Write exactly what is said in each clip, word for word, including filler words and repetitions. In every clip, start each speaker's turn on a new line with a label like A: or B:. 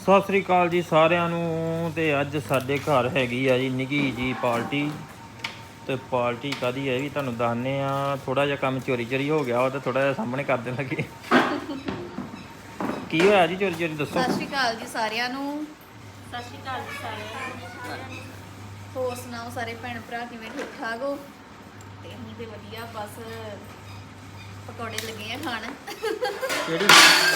A: ਸਤਿ ਸ੍ਰੀ ਅਕਾਲ ਜੀ ਸਾਰਿਆਂ ਨੂੰ। ਤੇ ਅੱਜ ਸਾਡੇ ਘਰ ਹੈਗੀ ਆ ਜੀ ਨਿੱਕੀ ਜੀ ਪਾਰਟੀ। ਤੇ ਪਾਰਟੀ ਕਾਹਦੀ ਹੈ ਵੀ ਤੁਹਾਨੂੰ ਦੱਸਦੇ ਆ। ਥੋੜਾ ਜਿਹਾ ਕੰਮ ਚੋਰੀ ਚੋਰੀ ਹੋ ਗਿਆ ਵਾ ਤੇ ਥੋੜਾ ਜਿਹਾ ਸਾਹਮਣੇ ਕਰ ਦੇਣ ਲੱਗੇ। ਕੀ ਹੋਇਆ ਜੀ? ਚੋਰੀ ਚੋਰੀ ਦੱਸੋ।
B: ਸਤਿ ਸ਼੍ਰੀ ਅਕਾਲ ਜੀ ਸਾਰਿਆਂ ਨੂੰ।
C: ਸਤਿ ਸ਼੍ਰੀ ਅਕਾਲ ਜੀ ਸਾਰਿਆਂ ਨੂੰ।
B: ਹੋਰ ਸੁਣਾਓ ਸਾਰੇ ਭੈਣ ਭਰਾ ਕਿਵੇਂ ਠੀਕ ਠਾਕ ਹੋ? ਤੇ ਅਸੀਂ ਤੇ ਵਧੀਆ, ਬਸ ਪਕੌੜੇ ਲੱਗੇ ਆ ਖਾਣ।
A: ਕਿਹੜੀ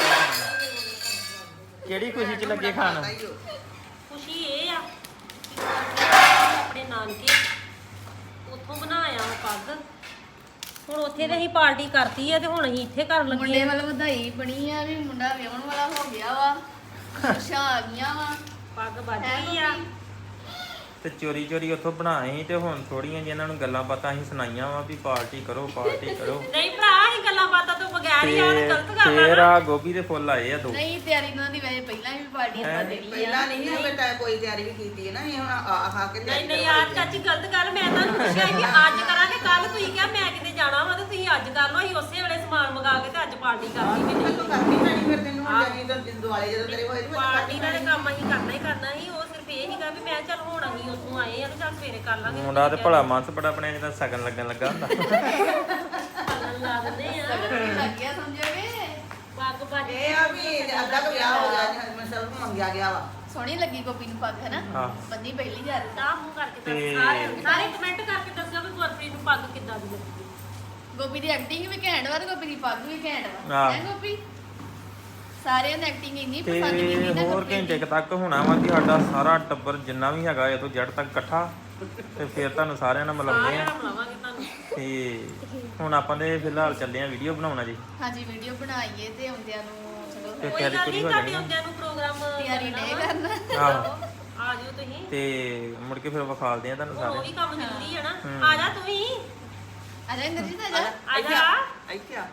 A: ਕਿਹੜੀ ਖੁਸ਼ੀ ਚ ਲੱਗੇ ਖਾਣ?
C: ਖੁਸ਼ੀ ਇਹ ਆ ਆਪਣੇ ਨਾਨਕੇ ਉੱਥੋਂ ਬਣਾਇਆ ਵਾ ਪੱਗ। ਹੁਣ ਉੱਥੇ ਤੇ ਅਸੀਂ ਪਾਰਟੀ ਕਰਤੀ ਆ ਤੇ ਹੁਣ ਅਸੀਂ ਇੱਥੇ ਕਰਨ ਲੱਗੇ
B: ਮੁੰਡੇ
C: ਆ।
B: ਵੱਲ ਵਧਾਈ ਬਣੀ ਆ ਵੀ ਮੁੰਡਾ ਵਿਆਹਣ ਵਾਲਾ ਹੋ ਗਿਆ ਵਾ, ਖੁਸ਼ਾਂ ਆ ਗਈਆਂ ਵਾ।
C: ਪੱਗ ਵੱਜ ਗਈ ਆ
A: ਤੇ ਚੋਰੀ ਚੋਰੀ ਉੱਥੋਂ ਬਣਾਏ ਤੇ ਹੁਣ ਥੋੜੀਆਂ ਜਿਹੀਆਂ ਇਹਨਾਂ ਨੂੰ ਗੱਲਾਂ ਬਾਤਾਂ ਅਸੀਂ ਸੁਣਾਈਆਂ ਵਾ ਵੀ ਪਾਰਟੀ ਕਰੋ ਪਾਰਟੀ ਕਰੋ।
C: ਨਹੀਂ ਭਰਾ, ਅਸੀਂ ਗੱਲਾਂ ਬਾਤਾਂ ਤੋਂ ਬਗੈਰ ਹੀ ਆ ਤੇ ਗਲਤ ਗੱਲ ਆ
A: ਫੇਰ
C: ਨਾ।
A: ਆ ਗੋਭੀ ਦੇ ਫੁੱਲ ਆਏ ਆ ਦੋ।
B: ਨਹੀਂ, ਤਿਆਰੀ ਉਹਨਾਂ ਦੀ ਵੈਸੇ ਪਹਿਲਾਂ ਵੀ ਪਾਰਟੀ ਆਪਾਂ ਦੇਣੀ ਆ।
D: ਪਹਿਲਾਂ ਨਹੀਂ ਹੈ ਬੇਟਾ ਕੋਈ ਤਿਆਰੀ ਵੀ ਕੀਤੀ ਹੈ ਨਾ। ਇਹ ਹੁਣ ਆ ਖਾ ਕੇ
C: ਨਹੀਂ ਨਹੀਂ ਯਾਰ ਚਾਚੀ, ਗਲਤ ਗੱਲ। ਮੈਂ ਤੁਹਾਨੂੰ ਪੁੱਛਿਆ ਕਿ ਅੱਜ ਕਰਾਂਗੇ, ਕੱਲ ਤੁਸੀਂ ਕਿਹਾ ਮੈਂ ਕਿਤੇ ਜਾਣਾ ਵਾ ਤੇ ਤੁਸੀਂ ਅੱਜ ਕਰ ਲਓ। ਅਸੀਂ ਉਸੇ ਵੇਲੇ ਸਮਾਨ ਮੰਗਾ ਕੇ ਤੇ ਅੱਜ ਪਾਰਟੀ ਕਰਨੀ ਵੀ ਨਹੀਂ।
D: ਕਰਨੀ ਪੈਣੀ ਫਿਰ ਤੈਨੂੰ ਹੁਣ ਜਾਨੀ ਤਾਂ ਦੁਆਲੇ ਜਦੋਂ ਤੇਰੇ ਹੋਏ
C: ਪਾਰਟੀ ਦਾ ਕੰਮ ਅਸੀਂ ਕਰਨਾ ਹੀ ਕਰਨਾ ਸੀ। ਉਹ ਸਿਰਫ ਇਹ ਸੀਗਾ ਵੀ ਮੈਂ ਚੱਲ ਹੁਣ ਅਸੀਂ ਉੱਥੋਂ ਆਏ ਆ ਤੇ ਚੱਲ ਸਵੇਰੇ ਕਰ ਲਾਂਗੇ।
A: ਮੁੰਡਾ ਤੇ ਭਲਾ ਮਾਨਸ ਬੜਾ ਬਣਿਆ ਜਿੱਦਾਂ ਸ਼ਗਨ ਲੱਗਣ ਲੱਗਾ ਹੁੰਦਾ।
C: ਪਾਲਣ ਲਾ ਦਿੰਦੇ ਆ।
B: ਲੱਗ ਗਿਆ ਸਮਝੋਗੇ।
C: ਪੱਗ ਵੱਜ
D: ਇਹ ਆ ਵੀ ਅੱਧਾ ਕੁ ਵਿਆਹ ਹੋ ਗਿਆ ਮੈਂ ਸਭ ਨੂੰ ਮੰਗਿਆ ਗਿਆ ਵਾ।
B: ਸੋਹਣੀ ਲੱਗੀ ਗੋਪੀ ਨੂੰ ਪੱਗ, ਹੈ ਨਾ?
A: ਹਾਂ।
B: ਬੰਦੀ ਪਹਿਲੀ ਜਾ ਰਹੀ।
C: ਤਾਂ ਮੂੰਹ ਕਰਕੇ
A: ਤੇ-
C: ਦੱਸ ਸਾਰੇ ਸਾਰੇ ਕਮੈਂਟ ਕਰਕੇ ਦੱਸਿਓ ਵੀ ਗੁਰਪ੍ਰੀਤ ਨੂੰ ਪੱਗ ਕਿੱਦਾਂ ਦੀ ਲੱਗੀ।
B: ਗੋਪੀ ਦੀ ਐਕਟਿੰਗ ਵੀ ਘੈਂਟ ਵਾ ਤੇ ਗੋਪੀ ਦੀ ਪੱਗ ਵੀ ਘੈਂਟ ਵਾ।
A: ਹਾਂ।
B: ਹੈ ਗੋਪੀ? ਸਾਰਿਆਂ ਦੀ ਐਕਟਿੰਗ ਇੰਨੀ ਪਸੰਦ ਕੀਤੀ
A: ਤੇ
B: ਨਾ
A: ਹੋਰ
B: ਗੁਰਪ੍ਰੀਤ
A: ਘੰਟੇ
B: ਦੀ।
A: ਕੁ ਤੱਕ ਹੋਣਾ ਵਾ ਕਿ ਸਾਡਾ ਸਾਰਾ ਟੱਬਰ ਜਿੰਨਾ ਵੀ ਹੈਗਾ ਇਹ ਤੋਂ ਜੜ ਤੱਕ ਇਕੱਠਾ। ਤੇ ਫਿਰ ਤੁਹਾਨੂੰ ਸਾਰਿਆਂ ਨਾਲ ਮਿਲਾਉਂਦੇ
C: ਸਾਰਿਆਂ
A: ਆ।
C: ਨੂੰ ਮਿਲਾਵਾਂਗੇ ਤੁਹਾਨੂੰ।
A: ਤੇ ਹੁਣ ਆਪਾਂ ਨੇ ਫਿਲਹਾਲ ਚੱਲੇ ਆ ਵੀਡੀਓ ਬਣਾਉਣਾ ਜੀ।
B: ਹਾਂਜੀ, ਵੀਡੀਓ ਬਣਾਈਏ ਤੇ ਆਉਂਦਿਆਂ ਨੂੰ ਚਲੋ
A: ਤੇ
C: ਕੋਈ
A: ਤਿਆਰੀ
C: ਗੱਲ
A: ਪੂਰੀ
C: ਨਹੀਂ,
A: ਹੋ
C: ਤੁਹਾਡੇ
A: ਜਾਣੀ ਆ।
C: ਹੁੰਦਿਆਂ ਨੂੰ ਪ੍ਰੋਗਰਾਮ
B: ਤਿਆਰੀ ਨਹੀਂ ਕਰਨਾ।
A: ਆਹੋ
C: ਆ ਜਿਓ ਤੁਸੀਂ।
A: ਤੇ ਮੁੜ ਕੇ ਫਿਰ ਵਿਖਾਲਦੇ ਆ ਤੁਹਾਨੂੰ
C: ਹੁਣ ਉਹ
A: ਸਾਰੇ।
C: ਵੀ ਕੰਮ ਜ਼ਰੂਰੀ ਹੈ ਨਾ।
A: ਹਮ।
C: ਆ ਜਾ ਤੂੰ ਵੀ।
B: ਆ ਜਾ ਇੰਦਰਜੀਤ, ਆ ਜਾ।
C: ਆ ਜਾ।
D: ਇੱਥੇ ਆ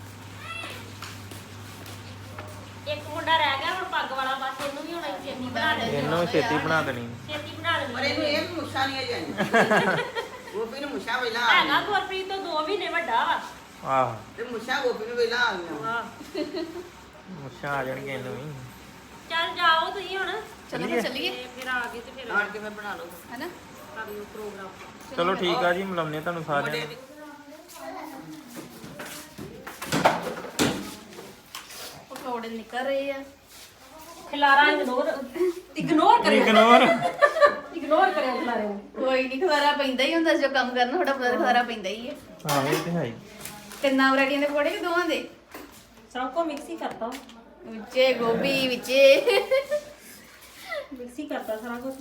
C: ਇੱਕ ਮੁੰਡਾ ਰਹਿ ਗਿਆ ਹੁਣ ਪੱਗ ਵਾਲਾ, ਬਸ ਇਹਨੂੰ ਵੀ ਹੁਣ ਅਸੀਂ ਛੇਤੀ ਬਣਾ ਦੇਣੀ।
A: ਇਹਨੂੰ ਵੀ ਛੇਤੀ ਬਣਾ ਦੇਣੀ।
C: ਛੇਤੀ ਬਣਾ
D: ਪਰ
C: ਦੇਣੀ।
D: ਇਹਨੂੰ ਇਹ ਵੀ ਮੁੱਛਾਂ ਨਹੀਂ ਜਾਣੀ। ਗੋਪੀ ਨੂੰ ਮੁੱਛਾਂ ਪਹਿਲਾਂ ਆ
C: ਹੈਗਾ
D: ਗਈਆਂ
C: ਗੁਰਪ੍ਰੀਤ ਤੋਂ ਦੋ ਮਹੀਨੇ ਵੱਡਾ ਵਾ।
A: ਆਹ
D: ਤੇ ਮੁੱਛਾਂ ਗੋਪੀ ਨੂੰ ਪਹਿਲਾਂ ਆ ਗਈਆਂ।
C: ਹਾਂ
A: ਮੁੱਛਾਂ ਆ ਜਾਣਗੀਆਂ ਇਹਨੂੰ ਵੀ।
C: ਚੱਲ ਜਾਓ ਤੁਸੀਂ ਹੁਣ।
B: ਚਲੋ ਫਿਰ ਚੱਲੀਏ,
C: ਤੇ ਫਿਰ ਆ ਗਏ ਤੇ ਫਿਰ
D: ਆਣ ਕੇ ਫਿਰ ਬਣਾ ਲਓ
B: ਹੈ ਨਾ?
C: ਕਰ ਲਿਓ ਪ੍ਰੋਗਰਾਮ।
A: ਚਲੋ ਠੀਕ ਆ ਜੀ, ਮਿਲਾਉਂਦੇ ਆ ਤੁਹਾਨੂੰ ਸਾਰਿਆਂ ਨੂੰ।
B: ਪਕੌੜੇ ਨਿਕਲ ਰਹੇ ਆ।
C: ਖਿਲਾਰਾ ਇਗਨੋਰ ਇਗਨੋਰ ਕਰਿਓ।
A: ਇਗਨੋਰ
C: ਇਗਨੋਰ ਕਰਿਓ ਖਿਲਾਰੇ ਨੂੰ।
B: ਕੋਈ ਨਹੀਂ, ਖਲਾਰਾ ਪੈਂਦਾ ਹੀ ਹੁੰਦਾ ਜੋ ਕੰਮ ਕਰਨਾ, ਥੋੜਾ ਬਹੁਤ ਖਲਾਰਾ ਪੈਂਦਾ ਹੀ ਹੈ।
A: ਆਹ ਇਹ ਤੇ ਹੈ ਹੀ।
B: ਤਿੰਨਾਂ ਵੈਰਾਈਟੀਆਂ ਦੇ ਪਕੌੜੇ ਕਿ ਦੋਵਾਂ ਦੇ?
C: ਸਭ ਕੋ ਮਿਕਸ ਹੀ ਕਰਤਾ।
B: ਵਿੱਚੇ ਗੋਭੀ, ਵਿੱਚੇ
C: ਮਿਕਸ ਹੀ ਕਰਤਾ ਸਾਰਾ ਕੁਝ।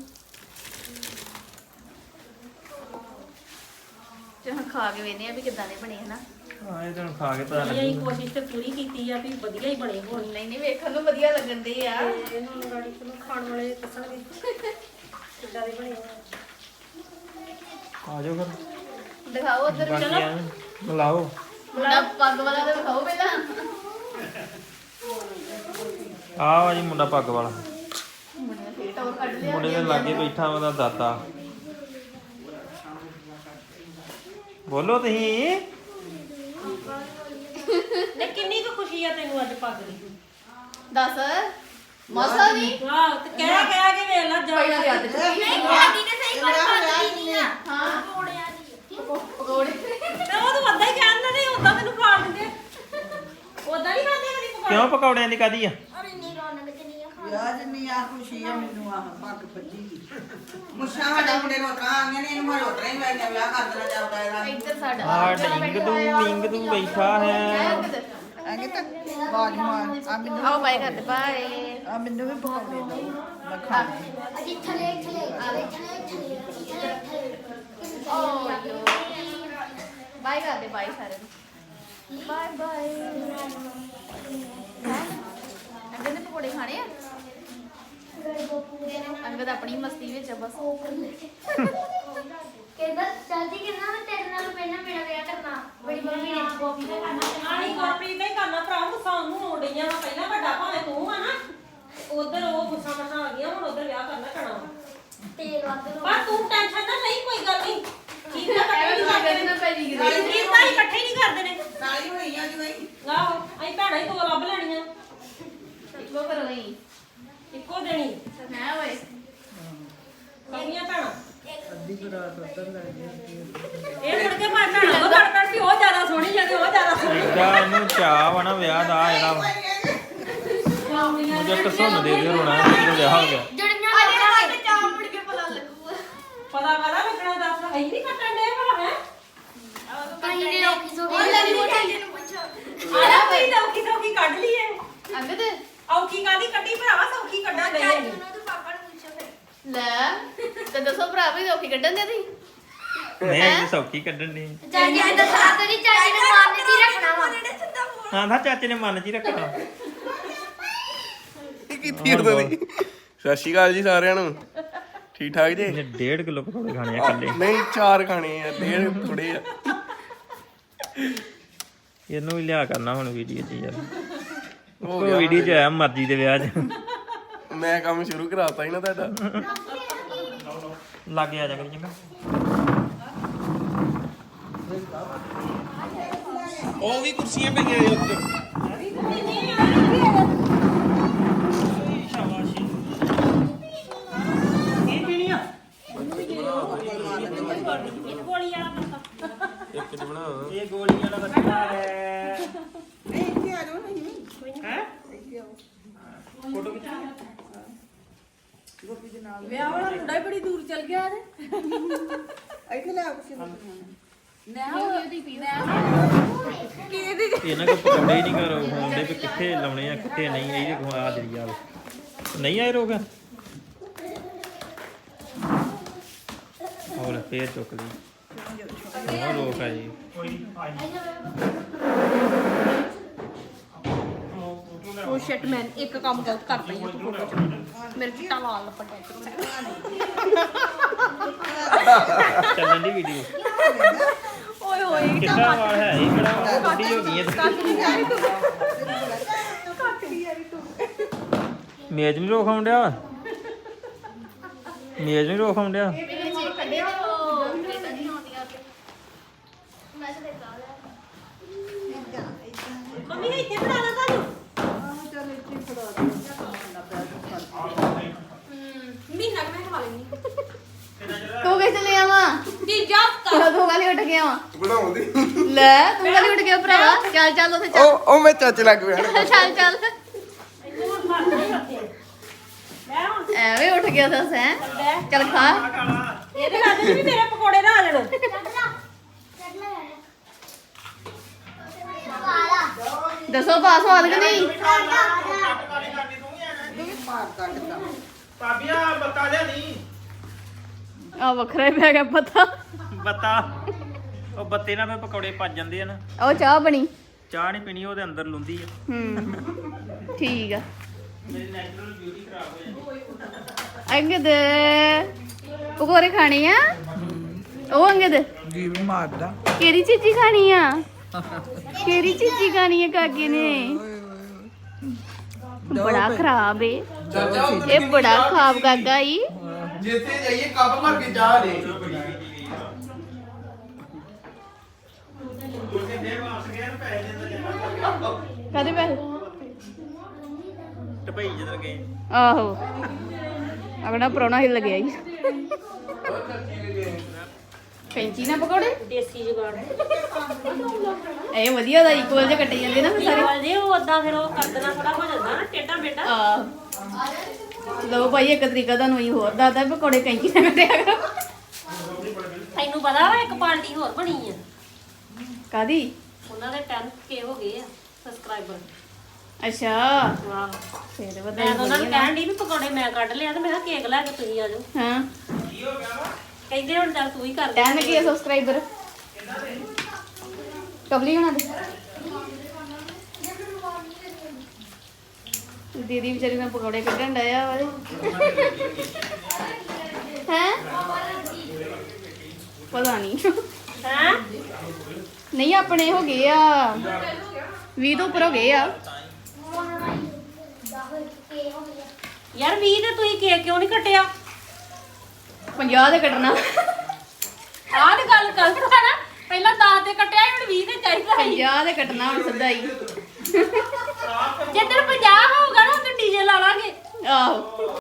B: ਜੇ ਹੁਣ ਖਾ ਕੇ ਵੇਖਦੇ ਆ ਵੀ ਕਿੱਦਾਂ ਦੇ ਬਣੇ, ਹਨਾ?
A: ਹਾਂ ਇਹ ਤਾਂ ਖਾ ਕੇ ਪਤਾ
C: ਅਸੀਂ
A: ਲੱਗੂ।
C: ਕੋਸ਼ਿਸ਼ ਤੇ ਪੂਰੀ ਕੀਤੀ ਆ ਵੀ ਵਧੀਆ ਹੀ ਬਣੇ ਹੋਣ।
B: ਨਹੀਂ ਨਹੀਂ, ਵੇਖਣ ਨੂੰ ਵਧੀਆ ਲੱਗਣ ਦੇ ਆ।
C: ਤੇ ਹੁਣ ਗਾੜੀ ਚਲੋ ਖਾਣ ਵਾਲੇ ਦੱਸਣਗੇ ਕਿੱਦਾਂ ਦੇ ਬਣੇ ਹੋਣ।
A: ਆ ਜਾਓ ਫਿਰ।
B: ਦਿਖਾਓ ਉਧਰ।
A: ਬਾਕੀ
B: ਚਲੋ
A: ਐਂ ਮਿਲਾਓ।
B: ਮੁੰਡਾ ਪੱਗ ਵਾਲਾ ਤਾਂ ਦਿਖਾਓ ਪਹਿਲਾਂ।
A: ਆਹ ਵਾ ਜੀ ਮੁੰਡਾ ਪੱਗ ਵਾਲਾ।
B: ਮੁੰਡੇ ਨੇ ਫੇਰ ਟੌਰ ਕੱਢ ਲਿਆ।
A: ਮੁੰਡੇ ਦੇ ਲਾਗੇ ਬੈਠਾ ਉਹਦਾ ਦਾਤਾ। ਬੋਲੋ ਤੁਸੀਂ।
C: ਨੇ ਕਿੰਨੀ ਕੁ ਖੁਸ਼ੀ ਆ ਤੈਨੂੰ ਅੱਜ ਪੱਗ ਦੀ?
B: ਦੱਸ। ਮਸਾ ਨਹੀਂ।
C: ਵਾਹ, ਤੇ ਕਹਿ ਕਹਿ ਕੇ ਵੇਖ ਲੈ ਜਾ।
B: ਪਹਿਲਾਂ ਦੇ ਹੱਥ ਚ
D: ਨਹੀਂ
C: ਖਾਦੀ ਨੇ ਸਹੀ
D: ਪਰ ਪੱਗ ਦੀ ਨਹੀਂ ਆ।
B: ਹਾਂ,
C: ਪਕੌੜਿਆਂ ਦੀ।
B: ਪਕੌੜੇ।
C: ਤੇ ਉਹ ਤਾਂ ਉਦਾਂ ਹੀ ਕਹਿੰਦੇ ਨੇ, ਉਦਾਂ ਮੈਨੂੰ ਖਾ ਦਿੰਦੇ। ਉਦਾਂ ਨਹੀਂ ਖਾਂਦੇ ਕਦੀ ਪਕੌੜੇ।
A: ਕਿਉਂ ਪਕੌੜਿਆਂ ਦੀ ਕਾਦੀ ਆ?
D: ਵਿਆਹ ਜਿੰਨੀ ਆ ਖੁਸ਼ੀ ਆ ਮੈਨੂੰ ਆ ਪੱਗ ਬੱਜੀ ਦੀ। ਮੁੱਛਾਂ ਸਾਡੇ ਮੁੰਡੇ ਨੂੰ ਉਤਰਾਂ ਆਈਆਂ ਨੇ, ਇਹਨੂੰ ਮੈਂ ਉਤਰਾਂ ਹੀ ਮੈਂ ਵਿਆਹ ਕਰ ਦੇਣਾ ਚਾਹੁੰਦਾ ਇਹਦਾ।
B: ਇੱਧਰ ਸਾਡਾ
A: ਆ ਡਿੰਗ ਦੂ ਡਿੰਗ ਦੂ ਬੈਠਾ ਹੈ।
D: ਐਂਗੇ ਤਾਂ ਬਾਜ ਮਾਰ ਆ ਮੈਨੂੰ
B: ਆਓ ਬਾਏ ਕਰਦੇ ਬਾਏ।
D: ਆ ਮੈਨੂੰ ਵੀ ਪਕਾਉਣੇ ਦੋ ਮੈਂ ਖਾਣੇ।
B: ਓ ਯੋ ਬਾਏ ਕਰਦੇ ਬਾਏ ਸਾਰੇ ਨੂੰ। Bye bye. ਅੰਗਦ ਨੇ ਪਕੌੜੇ ਖਾਣੇ ਆ? ਅੰਗਦ ਆਪਣੀ ਮਸਤੀ ਵਿੱਚ ਆ ਬਸ।
E: ਕਹਿੰਦਾ ਚਾਚੀ ਕਹਿੰਦਾ ਮੈਂ ਤੇਰੇ ਨਾਲ ਪਹਿਲਾਂ ਮੇਰਾ ਵਿਆਹ ਕਰਨਾ ਬੜੀ ਮੰਮੀ ਨੇ ਗੋਪੀ ਦਾ ਕਰਨਾ
C: ਆਹੀ ਗੁਰਪ੍ਰੀਤ ਦਾ ਹੀ ਕਰਨਾ ਭਰਾ। ਗੁੱਸਾ ਉਹਨੂੰ ਹੋਣ ਡਈਆਂ ਵਾ। ਪਹਿਲਾਂ ਵੱਡਾ ਭਾਵੇਂ ਤੂੰ ਆ ਨਾ, ਉਧਰ ਉਹ ਗੁੱਸਾ ਮਸਾ ਆ ਗਿਆ, ਹੁਣ ਉਧਰ ਵਿਆਹ ਕਰਨਾ ਪੈਣਾ।
E: ਤੇਲ ਵੱਧ
C: ਪਰ ਤੂੰ ਟੈਨਸ਼ਨ ਨਾ ਲਈ, ਕੋਈ ਗੱਲ ਨਹੀਂ। ਠੀਕ ਹੈ, ਇਕੱਠੇ ਨਹੀਂ ਕਰਦੇ ਨੇ।
B: ਪੈਰੀ
C: ਠੀਕ ਤਾਂ ਹੀ ਇਕੱਠੇ ਨਹੀਂ ਕਰਦੇ ਨੇ।
D: ਨਾਲੀ ਹੋਈਆਂ ਜੀ ਬਈ
C: ਆਹੋ ਅਸੀਂ ਭੈਣਾਂ ਹੀ ਦੋ ਲੱਭ ਲੈਣੀਆਂ।
B: ਇੱਕੋ ਕਰੋ ਹੀ।
C: ਇੱਕੋ ਦੇ ਦੇਣੀ
B: ਹੈ ਓਏ
C: ਕਈਆਂ ਭੈਣਾਂ
D: ਅੱਧੀ ਬਰਾਤ ਉੱਧਰ ਲੈ ਗਈ
C: ਇਹ ਮੁੜ ਕੇ ਭਾਵੇਂ ਭੈਣਾਂ ਕੋ ਘੜ ਘੜ ਵੀ ਉਹ ਜ਼ਿਆਦਾ ਸੋਹਣੀ ਜਾਂਦੀ ਉਹ ਜ਼ਿਆਦਾ ਸੋਹਣੀ
A: ਇਹਦਾ ਇਹਨੂੰ ਚਾਹ ਵਾ ਨਾ ਵਿਆਹ ਦਾ ਜਿਹੜਾ ਮੁਝੇ ਕਸਮ ਦੇ ਦੇ ਰੋਣਾ ਜਦੋਂ ਵਿਆਹ ਹੋ ਗਿਆ
E: ਜੁੜੀਆਂ
B: ਅਜੇ
E: ਲੋਕਾਂ
B: ਤੱਕ ਚਾਹ ਮੁੜ ਕੇ ਪਤਾ ਲੱਗੂਗਾ
C: ਪਤਾ ਕਾਹਦਾ ਲੱਗਣਾ ਦੱਸ ਅਸੀਂ ਨਹੀਂ ਕੱਟਣ ਦੇ ਭਲਾ ਹੈ
E: ਕਹੀਂ ਨੇ ਔਖੀ ਸੌਖੀ
B: ਉਹ ਲੈ ਲਈ ਮੋਟੀ ਨੂੰ ਪੁੱਛੋ
C: ਆਲਾ ਪਈ ਸੌਖੀ ਸੌਖੀ ਕੱਢ ਲਈਏ
B: ਅੰਗਦ
C: ਔਖੀ ਕਾਦੀ ਕੱਢੀ ਭਰਾਵਾ ਸੌਖੀ ਕੱਢਾਂ ਗਈ
B: ਚਾਚੂ ਨੂੰ ਤੇ ਪਾਪਾ ਨੂੰ ਪੁੱਛੋ ਫਿਰ ਲੈ ਤੇ ਦੱਸੋ ਭਰਾ ਵੀ ਔਖੀ ਕੱਢਣ ਦੇ ਤੁਸੀਂ
A: ਨਹੀਂ ਇਹ ਸੌਖੀ ਕੱਢਣ ਦੀ
E: ਚਾਚੀ ਨੇ ਦੱਸਿਆ ਤੇਰੀ ਚਾਚੀ ਨੇ ਮਾਰਨੇ ਦੀ ਰੱਖਣਾ ਵਾ
A: ਹਾਂ ਤਾਂ ਚਾਚੇ ਨੇ ਮਨ ਚ ਹੀ ਰੱਖਣਾ
F: ਕੀ ਕੀਤੀ ਉਦੋਂ ਦੀ ਸਤਿ ਸ਼੍ਰੀ ਅਕਾਲ ਜੀ ਸਾਰਿਆਂ ਨੂੰ ਠੀਕ ਠਾਕ ਜੀ
A: ਇਹਨੇ ਡੇਢ ਕਿਲੋ ਪਕੌੜੇ ਖਾਣੇ ਆ ਇਕੱਲੇ
F: ਨਹੀਂ ਚਾਰ ਖਾਣੇ ਆ ਡੇਢ ਥੋੜੇ ਆ
A: ਇਹਨੂੰ ਵੀ ਲਿਆ ਕਰਨਾ ਹੁਣ ਵੀਡੀਓ 'ਚ ਯਾਰ
F: ਹੋ
A: ਉਹ
F: ਗਿਆ
A: ਵੀਡੀਓ 'ਚ ਆਇਆ ਮਰਜ਼ੀ ਦੇ ਵਿਆਹ 'ਚ
F: ਮੈਂ ਕੰਮ ਸ਼ੁਰੂ ਕਰਾਤਾ ਹੀ ਨਾ ਤੁਹਾਡਾ
A: ਲਾਗੇ ਆ ਜਾ ਕਰੀ ਚੰਗਾ
F: ਉਹ ਵੀ ਕੁਰਸੀਆਂ ਪਈਆਂ ਆ ਉੱਤੇ
C: ਗੋਲੀ ਵਾਲਾ ਬੰਦਾ
F: ਇੱਕ ਚ ਬਣਾ
A: ਇਹ ਗੋਲੀ ਵਾਲਾ ਬੱਚਾ ਹੈ
D: ਨਹੀਂ ਇੱਥੇ ਆ ਜਾਓ ਨਹੀਂ
A: ਹੈ
D: ਇੱਥੇ ਆਓ
A: ਫੋਟੋ ਖਿੱਚ
D: ਗੋਪੀ ਦੇ ਨਾਲ
G: ਵਿਆਹ ਵਾਲਾ ਮੁੰਡਾ ਹੀ ਬੜੀ ਦੂਰ ਚਲ ਗਿਆ ਤੇ
D: ਇੱਥੇ ਲੈ ਆਓ ਕਿਸੇ ਨੂੰ
G: ਮੈਂ ਉਹਦੀ
A: ਇਹਨਾਂ ਕੋ ਪਕੌੜੇ ਹੀ ਨਹੀਂ ਕਰੋ ਹੁੰਦੇ ਵੀ ਕਿੱਥੇ ਲਾਉਣੇ ਆ ਕਿੱਥੇ ਨਹੀਂ ਇਹਦੇ ਕੋ ਆ ਜਰੀ ਆ ਨਹੀਂ ਆਏ ਰੋਗ ਹੋਰ ਫੇਰ ਚੁੱਕ ਲਈ ਉਹ ਰੋਕ ਆ ਜੀ
G: ਉਹ ਸ਼ਿਟ ਮੈਨ ਇੱਕ ਕੰਮ ਗਲਤ ਕਰ ਪਈ ਆ ਤੂੰ ਫੋਟੋ ਚ ਮੇਰੇ ਚਿੱਟਾ ਲਾਲ ਲੱਪਟਾ
A: ਚੱਲਣ ਦੀ ਵੀਡੀਓ
G: ਓਏ ਹੋਏ
A: ਕਿੱਡਾ ਵਾਲ ਹੈ ਇਹ ਕਿਹੜਾ ਵੱਡੀ ਹੋ ਗਈ ਹੈ ਮੇਜ਼ ਨਹੀਂ ਰੋਕ ਆਉਂਦਿਆ ਮੇਜ਼ ਨਹੀਂ ਰੋਕ ਆਉਂਦਿਆ
B: ਮੇਰੇ ਜੇ ਕੱਢੇ ਤੇ ਉਹ ਪਲੇਟਾਂ ਨਹੀਂ ਆਉਂਦੀਆਂ ਤੇ ਮੈਂ ਤੇ ਲਾ ਲਿਆ
C: ਮੰਮੀ ਇੱਥੇ ਬਣਾ ਲਾ ਤੁਹਾਨੂੰ
D: ਆਹ ਚੱਲ ਇੱਥੇ ਫੜਾ ਦੇ ਨਾ ਪੈਰ
G: ਮਹੀਨਾ ਕੁ ਮੈਂ ਖਾ ਲੈਣੀ
B: ਤੂੰ ਕਿੱਥੇ ਲੈ ਆਵਾਂ
G: ਕੀ ਜਾ
B: ਤੂੰ ਤੂੰ ਗਾਲੀ ਉੱਠ ਗਿਆ ਵਾ
F: ਬਣਾਉਂਦੀ
B: ਲੈ ਤੂੰ ਗਾਲੀ ਉੱਠ ਗਿਆ ਭਰਾਵਾ ਚੱਲ ਚੱਲ ਉੱਥੇ ਚੱਲ
F: ਉਹ ਉਹ ਮੈਂ ਚਾਚੇ ਲੱਗ ਪਿਆ
B: ਚੱਲ ਚੱਲ
C: ਇੱਥੋਂ ਹੁਣ ਫੜ ਨਹੀਂ ਰੱਖੇ ਲੈ ਹੁਣ
B: ਐਵੇਂ ਉੱਠ ਗਿਆ ਦੱਸ ਹੈ ਚੱਲ ਖਾ
C: ਇਹਦੇ ਨਾਲ ਵੀ ਮੇਰੇ ਪਕੌੜੇ ਨਾ ਆ ਜਾਣ
B: ਦੱਸੋ ਪਾਸ ਸਵਾਦ ਕਿ ਨਹੀਂ
D: ਮਾਰ ਕੱਟਦਾ
A: ਭਾਬੀਆਂ ਬੱਤਾ ਲਿਆ ਨਹੀਂ
B: ਆ ਵੱਖਰਾ ਹੀ ਪੈ ਗਿਆ ਪਤਾ
A: ਬੱਤਾ ਉਹ ਬੱਤੇ ਨਾਲ ਫਿਰ ਪਕੌੜੇ ਭੱਜ ਜਾਂਦੇ ਆ ਨਾ
B: ਉਹ ਚਾਹ ਬਣੀ
A: ਚਾਹ ਨਹੀਂ ਪੀਣੀ ਉਹਦੇ ਅੰਦਰ ਲੁੰਦੀ ਆ
B: ਹੂੰ ਠੀਕ ਆ
A: ਮੇਰੀ ਨੈਚੁਰਲ ਬਿਊਟੀ ਖਰਾਬ ਹੋ ਜਾਂਦੀ
B: ਅੰਗਦ ਪਕੌੜੇ ਖਾਣੇ ਆ ਉਹ ਅੰਗਦ
D: ਜੀ ਵੀ ਮਾਰਦਾ
B: ਕਿਹੜੀ ਚੀਜ਼ੀ ਖਾਣੀ ਆ ਕਿਹੜੀ ਚੀਜ਼ੀ ਖਾਣੀ ਆ ਕਾਕੇ ਨੇ ਬੜਾ ਖਰਾਬ ਏ ਇਹ ਬੜਾ ਖਰਾਬ ਕਾਕਾ ਈ
F: ਜਿੱਥੇ ਜਾਈਏ ਕੱਪ ਭਰ ਕੇ ਚਾਹ ਦੇ
B: ਕਦੇ ਪੈਸੇ
A: ਟਪਈ ਜਦੋਂ ਗਏ
B: ਆਹੋ ਅਗੜਾ ਪਰੋਣਾ ਹਿੱਲ ਗਿਆ ਈ ਕੈਂਚੀ ਨਾਲ ਪਕੌੜੇ
C: ਦੇਸੀ ਜੁਗਾੜ
B: ਇਹ ਵਧੀਆ ਦਾ ਇਕੁਅਲ ਜਿਹਾ ਕੱਟੇ ਜਾਂਦੇ ਨਾ ਫਿਰ ਸਾਰੇ
C: ਸਾਰੇ ਜੇ ਉਹ ਉਦਾਂ ਫਿਰ ਉਹ ਕਰਦਣਾ ਥੋੜਾ ਹੋ ਜਾਂਦਾ ਨਾ ਟੇਡਾ ਬੇਟਾ
B: ਆ ਲੋ ਭਾਈ ਇੱਕ ਤਰੀਕਾ ਤੁਹਾਨੂੰ ਹੀ ਹੋਰ ਦੱਸਦਾ ਵੀ ਪਕੌੜੇ ਕੈਂਚੀ ਨਾਲ ਕੱਟਿਆ ਕਰੋ
C: ਤੈਨੂੰ ਪਤਾ ਵਾ ਇੱਕ ਪਾਰਟੀ ਹੋਰ ਬਣੀ ਆ
B: ਕਾਦੀ
C: ਉਹਨਾਂ ਦੇ ਟੈਨ ਕੇ ਹੋ ਗਏ ਆ ਸਬਸਕ੍ਰਾਈਬਰ
B: ਅੱਛਾ
C: ਵਾਹ
B: ਫੇਰ
C: ਮੈਂ
B: ਵਧਾਈ
C: ਤਾਂ ਉਹਨਾਂ ਨੂੰ
B: ਹੋਣੀ ਆ।
C: ਕਹਿਣ ਦੀ ਵੀ ਪਕੌੜੇ ਮੈਂ ਕੱਢ ਲਿਆ ਤੇ ਮੈਂ ਕਿਹਾ ਕੇਕ ਲੈ ਕੇ ਤੁਸੀਂ ਆ ਜਾਓ
B: ਹਾਂ
C: ਕਹਿੰਦੇ ਹੁਣ ਚੱਲ ਤੂੰ ਹੀ ਕਰ ਦੇ
B: ਟੈਨ ਕੀ ਸਬਸਕ੍ਰਾਈਬਰ ਕਬਲੀ ਹੋਣਾ ਦੇ ਦੀਦੀ ਵਿਚਾਰੀ ਨਾਲ ਪਕੌੜੇ ਕੱਢਣ ਡਿਆ ਵਾਲੇ ਹੈ ਪਤਾ ਨਹੀਂ
C: ਹੈਂ
B: ਨਹੀਂ ਆਪਣੇ ਹੋ ਗਏ ਆ ਵੀਹ ਤੋਂ ਉੱਪਰ ਹੋ ਗਏ ਆ
C: ਯਾਰ ਵੀਹ ਤੇ ਤੁਸੀਂ ਕੇਕ ਕਿਉਂ ਨਹੀਂ ਕੱਟਿਆ
B: ਪੰਜਾਹ ਦੇ ਕੱਢਣਾ
C: ਆਹ ਤੇ ਗੱਲ ਗਲਤ ਹੈ ਨਾ ਪਹਿਲਾਂ ਦਸ ਤੇ ਕੱਟਿਆ ਸੀ, ਹੁਣ ਵੀਹ ਤੇ ਚਾਹੀਦਾ ਸੀ
B: ਪੰਜਾਹ ਦੇ ਕੱਟਣਾ ਹੁਣ ਸਿੱਧਾ ਹੀ
C: ਜਿੱਦਣ ਪੰਜਾਹ ਹੋਊਗਾ ਨਾ ਉਦੋਂ ਡੀਜੇ ਲਾ ਲਾਂਗੇ
B: ਆਹੋ